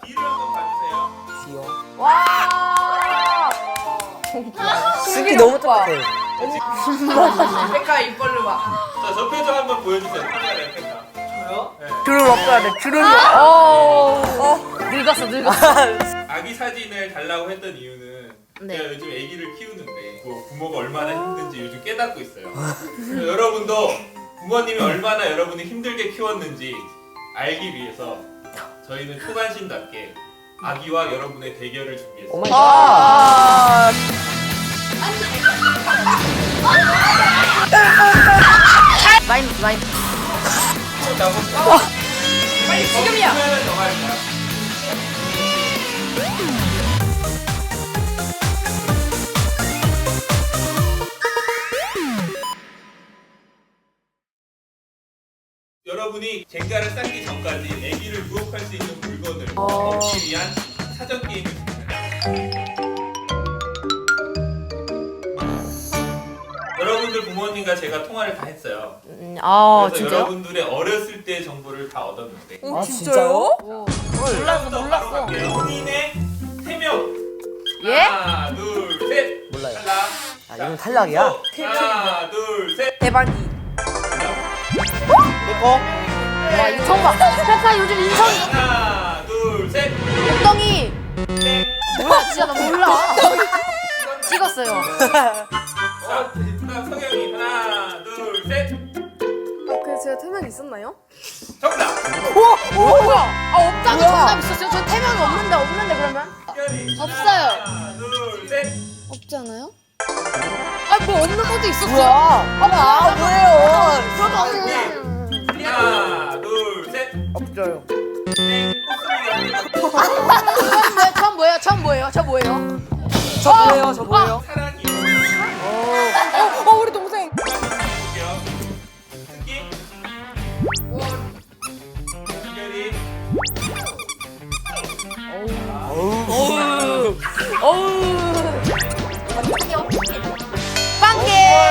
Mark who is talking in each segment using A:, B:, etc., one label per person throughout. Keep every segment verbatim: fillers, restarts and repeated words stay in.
A: 뒤를 한번 봐주세요.
B: 귀여워.
C: 와.
B: 습기 너무 똑같아.
C: 백화 입벌로 봐.
A: 자, 저 표정 한번 보여주세요. 카메라에 펜타. 저요? 네.
B: 주름 없어야 돼. 주름이.
C: 어. 늙었어 늙었어.
A: 아기 사진을 달라고 했던 이유는
C: 네.
A: 제가 요즘 아기를 키우는데 그 부모가 얼마나 힘든지 요즘 깨닫고 있어요. 그래서 여러분도 부모님이 얼마나 여러분을 힘들게 키웠는지 알기 위해서 저희는 초간신답게 아기와 여러분의 대결을 준비했습니다.
B: 오마이
C: 아. 마인 마인.
A: 자, 어,
C: 빨리 지금이야.
A: 보면은 영화입니다. 여러분이 젠가를 쌓기 전까지 아기를 유혹할 수 있는 물건을 얻기 위한 사전 게임을 진행합니다. 여러분들 부모님과 제가 통화를 다 했어요.
C: 음, 아
A: 그래서
C: 진짜요?
A: 여러분들의 어렸을 때 정보를 다 얻었는데
B: 아 진짜요?
C: 몰랐어
A: 바로
C: 몰랐어.
A: 갈게요. 본인의 세명
C: 예?
A: 하나 둘셋
B: 몰라요.
A: 탈락.
B: 아 이건 탈락이야?
A: 하나 둘셋
C: 대박이.
B: 내꺼?
C: 와 인성 봐. 백화 요즘 인성이
A: 하나 둘셋
C: 엉덩이.
A: 땡.
C: 뭐야 진짜 나 몰라. 찍었어요.
A: 자, 그다음 성현이 하나 둘셋
D: 아, 그 제가 태명이 있었나요?
A: 정답.
C: 오, 오 뭐야? 아 없다는 정답 있었어요? 저 태명이 없는데 없는데 그러면?
A: 현이
C: 없어요.
A: 하나 둘셋
D: 없지 않아요?
C: 아뭐 없는 것도 있었어.
B: 뭐야? 아 뭐예요?
C: 저도
A: 하나 둘셋
B: 없어요.
A: 땡. 코스믹이
C: 뭐야? 전 뭐예요? 전 뭐예요? 저 뭐예요?
B: 저 뭐예요? 저 뭐예요?
A: 사랑이.
D: 어, 어 우리 동생.
A: 볼게요. 특기. 특별히.
B: 어우.
C: 어우. 빵개.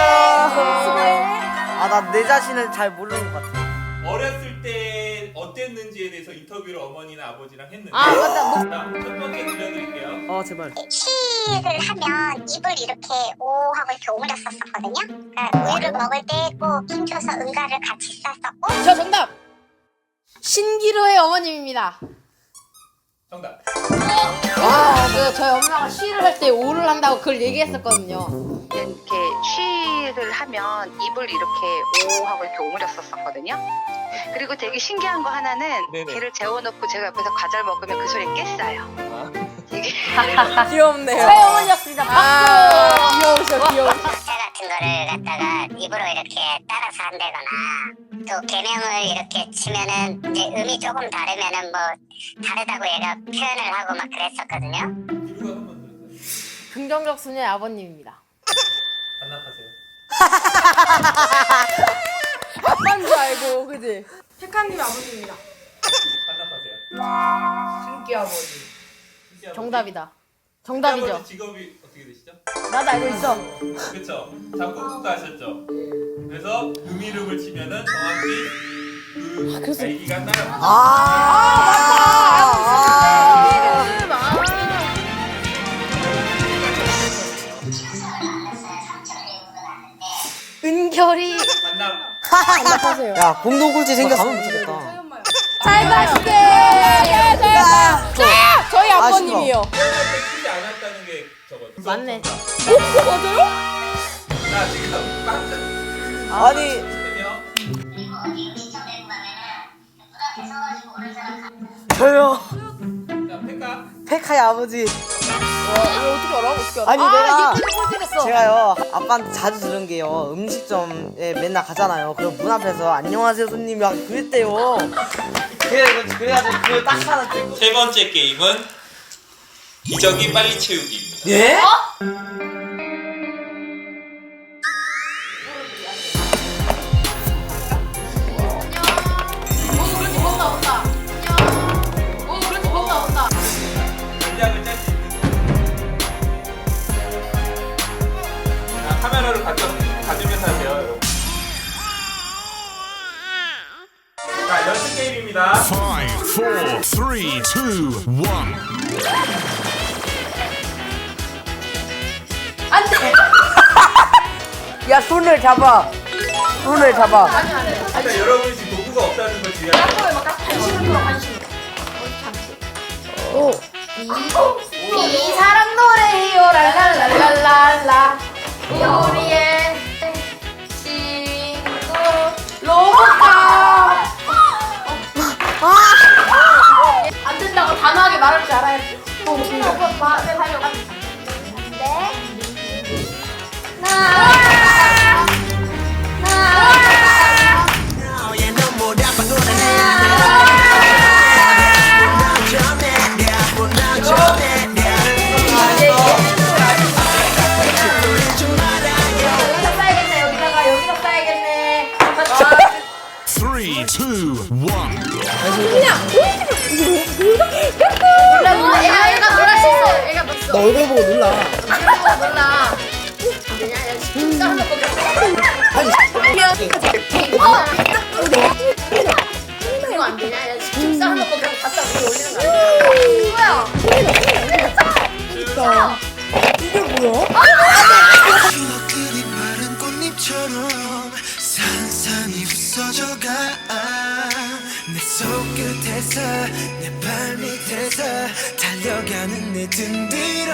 B: 아나 내 자신을 잘 모르는 것 같아.
A: 어렸을 때 어땠는지에 대해서 인터뷰를 어머니나 아버지랑 했는데.
C: 아 맞다. 뭐.
A: 자, 첫 번째 들려드릴게요.
B: 어 제발.
E: 치를 하면 입을 이렇게 오 하고 이렇게 오므렸었거든요. 그러니까 우유를 먹을 때 꼭 힘줘서 응가를 같이 쌌었고
C: 저 정답. 신기루의 어머님입니다.
A: 정답.
C: 아, 그 저희 엄마가 쉬를 할 때 오를 한다고 그걸 얘기했었거든요.
F: 이렇게 쉬를 하면 입을 이렇게 오 하고 이렇게 오므렸었거든요. 그리고 되게 신기한 거 하나는
B: 네네.
F: 걔를 재워놓고 제가 옆에서 과자를 먹으면 그 소리에 깼어요. 되게
D: 귀엽네요.
C: 저희 어머니였습니다. 박수.
D: 귀여우셔, 귀여우셔.
E: 자 같은 거를 갖다가 입으로 이렇게 따라서 한다거나 또 개명을 이렇게 치면은 이제 음이 조금 다르면은 뭐 다르다고 얘가 표현을 하고 막 그랬었거든요.
A: 기루가 한번 들으세요.
C: 긍정적 순의 아버님입니다.
A: 반납하세요.
D: 아빠인 줄 알고, 그지? 백화님 아버지입니다.
A: 반납하세요.
C: 신기 아버지.
A: 신기 아버지.
C: 정답이다.
A: 신기
C: 정답이죠.
A: 아버지 직업이 어떻게 되시죠?
C: 나도 알고 있어.
A: 그렇죠. 작곡가 하셨죠. 그래서 음이름을 치면은 정확히 그 아기가 따라.
B: 아.
C: 이름 아. 은결이
A: 반납.
D: 반납하세요.
B: 야 공동 꼴찌 생겼어. 가면 못하겠다.
D: 저희 엄마요.
C: 잘 가시게.
D: 예, 저희 아빠. 저희
B: 아쉬워.
D: 아버님이요.
A: 태어날 때 크지 않았다는 게 저거죠.
C: 맞네.
D: 오, 맞아요?
A: 자, 지금 깜짝.
B: 아니
A: 치면요.
B: 저요.
A: 자, 페카.
B: 페카의 아버지.
D: 이거 어떻게 알아? 어떻게 알아?
B: 아니
C: 아,
B: 내가
C: 이거 꼴찌됐어.
B: 제가요 아빠한테 자주 들은 게요 음식점에 맨날 가잖아요. 그럼 문 앞에서 안녕하세요 손님 막 그랬대요. 그래 그래가지고 그걸 딱 하나 들고.
A: 세 번째 게임은 기저귀 빨리 채우기입니다.
B: 예?
C: 오, 그렇지, 뭔가 온다. 안녕. 오, 그렇지, 뭔가 온다.
A: 전략을 짤 수 있는 거. 자, 카메라를 가져, 가지면서 하세요, 여러분. 자, 연습 게임입니다.
G: Five, four, three, three, two, one.
C: 안돼.
B: 야 손을 잡아. 손을 잡아.
A: 그러니까 여러분이 지금 도구가 없다는 걸 주의하세요.
C: 이 사랑 노래해요 랄랄랄랄랄라 우리의 친구 로봇카. 안 된다고 단호하게 말할 줄 알아야지. 로봇 마음에 달려가. 네. 나. 나. 써야겠네. 여기다가 여기다 써야겠네.
G: Three, two, one.
C: 몰라 몰라. 얘가 얘가 놀랄 수 있어. 얘가 놀았어.
B: 너 얼굴 보고 놀라.
C: 얼굴 보고 놀라. 그냥 진짜 한번 보자. 이거 안 되냐? 야, 진짜 한번 보자. 갖다 위에 올리는 거 아니야? 뭐야?
B: 이게 뭐야?
H: 주먹들이 마른 꽃잎처럼 산산이 부서져가 내 손끝에서 내 발밑에서 달려가는 내 등 뒤로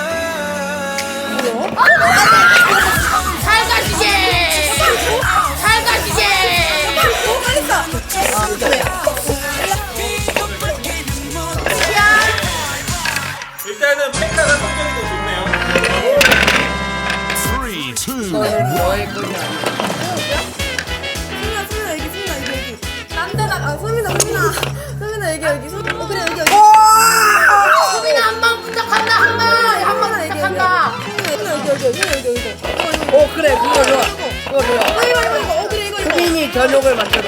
C: 살가시게! 살가시게!
A: 일단은 펜타가 성격이 더 좋네요.
G: Three, two,
B: 너의 거냐?
D: 소민아 소민아 여기 소민아 여기 여기. 남자다. 아 소민아 소민아. 소민아 여기 여기. 소 어, 그래 여기 여기.
C: 소민아 한방 부탁한다 한방! 한방 부탁한다!
D: 소민아 여기 여기 여기 여기 여기 여기.
B: 어 그래 그거 좋아. 그거 좋아.
D: 어 이거 이거 이거. 어 그래 이거 이거.
B: 수빈이 저녁을 만들어.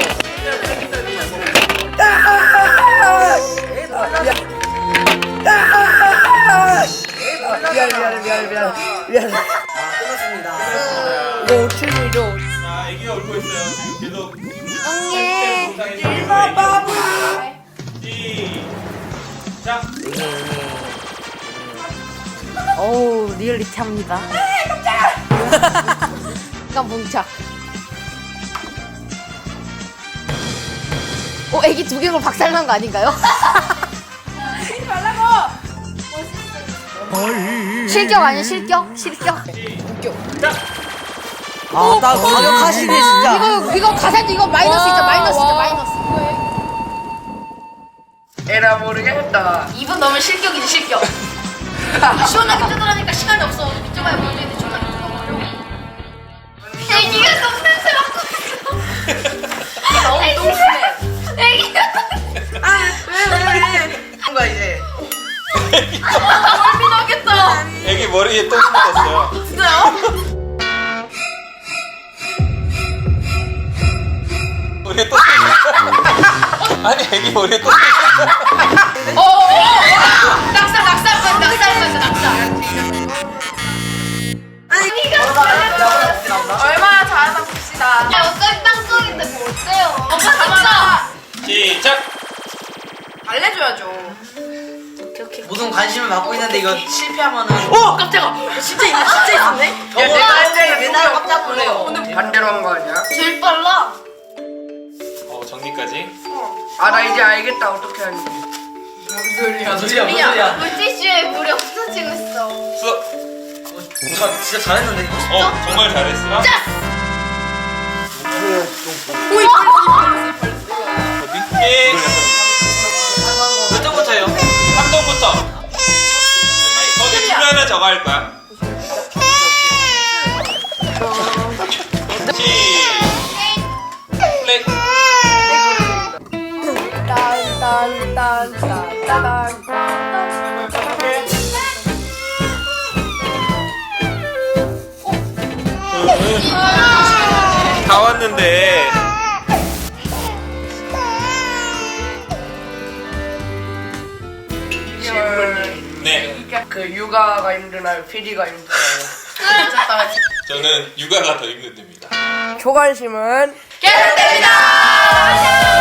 B: 미안 미안 미안 미안 미안. 아 끝났습니다. 이거 춤이죠.
A: 자, 애기가 울고 있어요. 지금 계속.
C: 응애!
A: 일바바부. 시작.
B: 어우 리얼리티합니다.
C: 이건 뭉쳐. 어, 애기 두 개로 박살난 거 아닌가요? 실격 아니야 실격? 실격?
B: 아나 가격하시네 진짜.
C: 이거 이거 가산도 이거 마이너스 있죠 마이너스 있죠 마이너스.
B: 에라 모르겠다.
C: 이 분 넘으면 실격이지 실격. 시원하게 뜯으라니까 시간이 없어. 밑쪽에 보여주는데 시원하게 뜯어버려. 애기가 너무 냄새 맡고 있어. 너무 똥심해. 애기가
B: 뭔가 이제.
C: 멀미나겠다.
A: 애기 머리에 똥 묻었어요.
C: 진짜요?
A: 머리에 똥 아니 애기 머리에 똥
C: 어, 낙살 낙살 거야 낙살 거야 낙살.
D: 얼마나 잘하나 봅시다.
C: 야 어차피 땅속인데 뭐 어때요? 엄마 진짜.
A: 시작.
D: 알려줘야죠.
B: 무슨 관심을 받고 있는데 이거 실패하면은.
C: 어 깜짝아. 진짜 있네 진짜 있었네.
B: 야 내가 할 맨날 깜짝 놀래요. 반대로 한 거 아니야?
C: 제일 빨라.
A: 어 정리까지.
B: 아 나 이제 알겠다 어떻게 하는지. 무슨 소리야? 무슨 소리야? 무슨 소리야?
C: 물티슈에 물이 없어지고 있어.
A: 수업.
B: 저 진짜 잘했는데.
A: 어 정말 잘했어.
C: 오이.
A: 어디? 예. 몇 점부터요? 삼 점부터. 거기 주면은 저거 할 거야. 시. 플레이.
D: 딴딴딴딴딴딴.
A: 다 왔는데. 네.
B: 그 육아가 힘드나요? 피디가 힘드나요?
A: 저는 육아가 더 힘듭니다.
B: 초관심은
C: 계속됩니다.